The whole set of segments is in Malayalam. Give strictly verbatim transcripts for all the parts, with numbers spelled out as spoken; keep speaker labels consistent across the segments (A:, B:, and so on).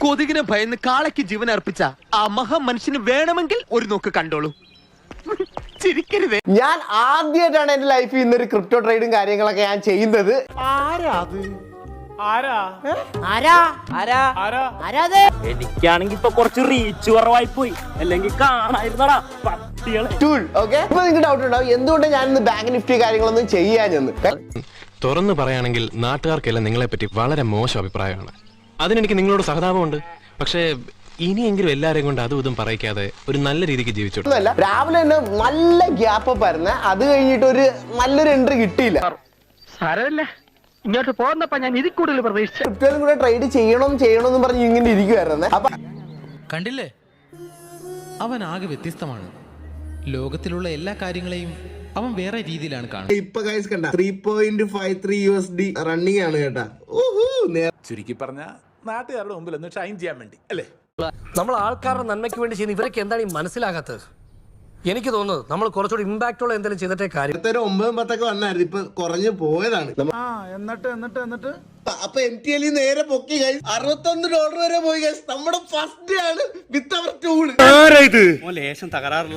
A: കൊതുകിനെ ഭയന്ന് കാളയ്ക്ക് ജീവൻ അർപ്പിച്ച ആ മഹാ മനുഷ്യന് വേണമെങ്കിൽ ഒരു നോക്ക് കണ്ടോളൂ. ചിരിക്കരുതേ.
B: ഞാൻ ആദ്യമായിട്ടാണ് എന്റെ ലൈഫിൽ ഇന്നൊരു ക്രിപ്റ്റോ ട്രേഡും കാര്യങ്ങളൊക്കെ ഞാൻ ചെയ്യുന്നത്.
C: എനിക്കാണെങ്കി ഇപ്പൊ കുറച്ച് റീച്ച് കുറവായി പോയി, അല്ലെങ്കിൽ കാണായിരുന്നടാ പട്ടികളെ.
B: ഇപ്പൊ നിങ്ങൾക്ക് ഡൗട്ട് ഉണ്ടാവും എന്തുകൊണ്ട് ഞാൻ ഇന്ന് ബാങ്ക് നിഫ്റ്റി കാര്യങ്ങളൊന്നും ചെയ്യാഞ്ഞെന്ന്.
D: തുറന്നു പറയുകയാണെങ്കിൽ നാട്ടുകാർക്കെല്ലാം നിങ്ങളെ പറ്റി വളരെ മോശം അഭിപ്രായമാണ്. അതിനെനിക്ക് നിങ്ങളോട് സഹതാപമുണ്ട്. പക്ഷേ ഇനിയെങ്കിലും എല്ലാരെയും കൊണ്ട് അതും ഇതും പറയിക്കാതെ ഒരു നല്ല രീതിക്ക് ജീവിച്ചോളൂ.
B: രാവിലെ തന്നെ നല്ല ഗ്യാപ്പ് വരുന്ന, അത് കഴിഞ്ഞിട്ട് ഒരു നല്ലൊരു എൻട്രി കിട്ടിയില്ല.
C: ഇങ്ങോട്ട് പോകുന്നപ്പോ ഞാൻ ഇതിൽ കൂടുതൽ പ്രതീക്ഷിച്ചു.
B: ക്രിപ്റ്റോയിലും കൂടെ ട്രേഡ് ചെയ്യണം ചെയ്യണം എന്ന് പറഞ്ഞ് ഇങ്ങനെ ഇരിക്കുവായിരുന്നേ. അപ്പൊ
E: കണ്ടില്ലേ, അവൻ ആകെ വ്യത്യസ്തമാണ്. ലോകത്തിലുള്ള എല്ലാ കാര്യങ്ങളെയും അവൻ വേറെ രീതിയിലാണ് കാണുന്നത്.
B: ഇപ്പൊ ഗൈസ് കണ്ട three point five three U S D running ആണ് കേട്ടാ.
F: ചുരുക്കി പറഞ്ഞ നാട്ടുകാരുടെ മുമ്പിൽ ഒന്ന് ഷൈൻ ചെയ്യാൻ വേണ്ടി അല്ലേ?
G: നമ്മൾ ആൾക്കാരുടെ നന്മയ്ക്ക് വേണ്ടി ചെയ്യുന്ന ഇവരൊക്കെ എന്താണ് ഈ മനസ്സിലാകാത്തത്? എനിക്ക് തോന്നുന്നത് നമ്മൾ കുറച്ചുകൂടി ഇമ്പാക്ട് ഉള്ള എന്തെങ്കിലും ചെയ്തിട്ടേ കാര്യം.
B: ഒമ്പതും പത്തൊക്കെ വന്നായിരുന്നു, ഇപ്പൊ കുറഞ്ഞു പോയതാണ്.
F: എന്നിട്ട് എന്നിട്ട് എന്നിട്ട്
B: അപ്പൊ എം ടി എൽ നേരെ പൊക്കി ഗൈസ്, അറുപത്തൊന്ന് ഡോളർ വരെ പോയി ഗൈസ്. നമ്മുടെ ഫസ്റ്റ് ആണ് വിത്ത് അവർ ടൂൾ.
C: ലേശം തകരാറുള്ള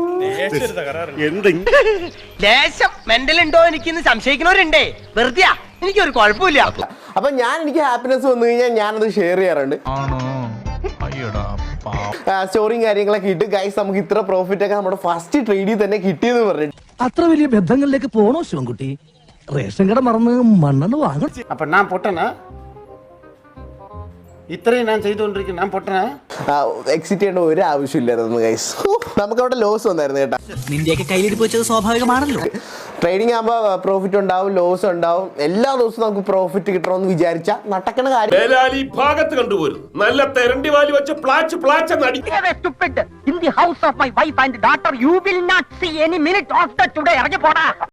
A: ലേശം മെന്റൽ ഉണ്ടോ എനിക്ക് സംശയിക്കുന്നവരുണ്ടേ. വെറുതെ എനിക്കൊരു കുഴപ്പമില്ല.
B: അപ്പൊ ഞാൻ എനിക്ക് ഹാപ്പിനെസ് വന്നു കഴിഞ്ഞാൽ ഞാനത് ഷെയർ ചെയ്യാറുണ്ട്. സ്റ്റോറിയും കാര്യങ്ങളൊക്കെ ഇട്ട് ഗൈസ് നമുക്ക് ഇത്ര പ്രോഫിറ്റ് ഒക്കെ നമ്മുടെ ഫസ്റ്റ് ട്രേഡിൽ തന്നെ കിട്ടിയെന്ന് പറഞ്ഞു.
H: അത്ര വലിയ ബന്ധങ്ങളിലേക്ക് പോണോ ശിവൻകുട്ടി? റേഷൻ കട മറന്ന് മണ്ണെണ്ണ വാങ്ങണം.
F: അപ്പൊ ഞാൻ പൊട്ടനാ? ഇത്രയും ഞാൻ ചെയ്തുകൊണ്ടിരിക്കും, ഞാൻ പൊട്ടനാ?
B: എക്സിറ്റ് ചെയ്യേണ്ട ഒരു ആവശ്യമില്ലായിരുന്നു ഗൈസ്. നമുക്ക് അവിടെ ലോസ് വന്നായിരുന്നു കേട്ടോ.
H: നിന്റെയൊക്കെ കയ്യിലിരിപ്പ് വെച്ചത് സ്വാഭാവികമാണല്ലോ.
B: ട്രേഡിംഗ് ആകുമ്പോൾ പ്രോഫിറ്റ് ഉണ്ടാവും, ലോസ് ഉണ്ടാവും. എല്ലാ ദിവസവും നമുക്ക് പ്രോഫിറ്റ് കിട്ടണമെന്ന് വിചാരിച്ച നടക്കണ കാര്യം.
I: ഭാഗത്ത് കണ്ടുപോരും നല്ല തെരണ്ടി വാലി വെച്ച് പ്ലാച്ച് പ്ലാച്ച്
C: In the house of my wife and daughter, you will not see any minute of the today.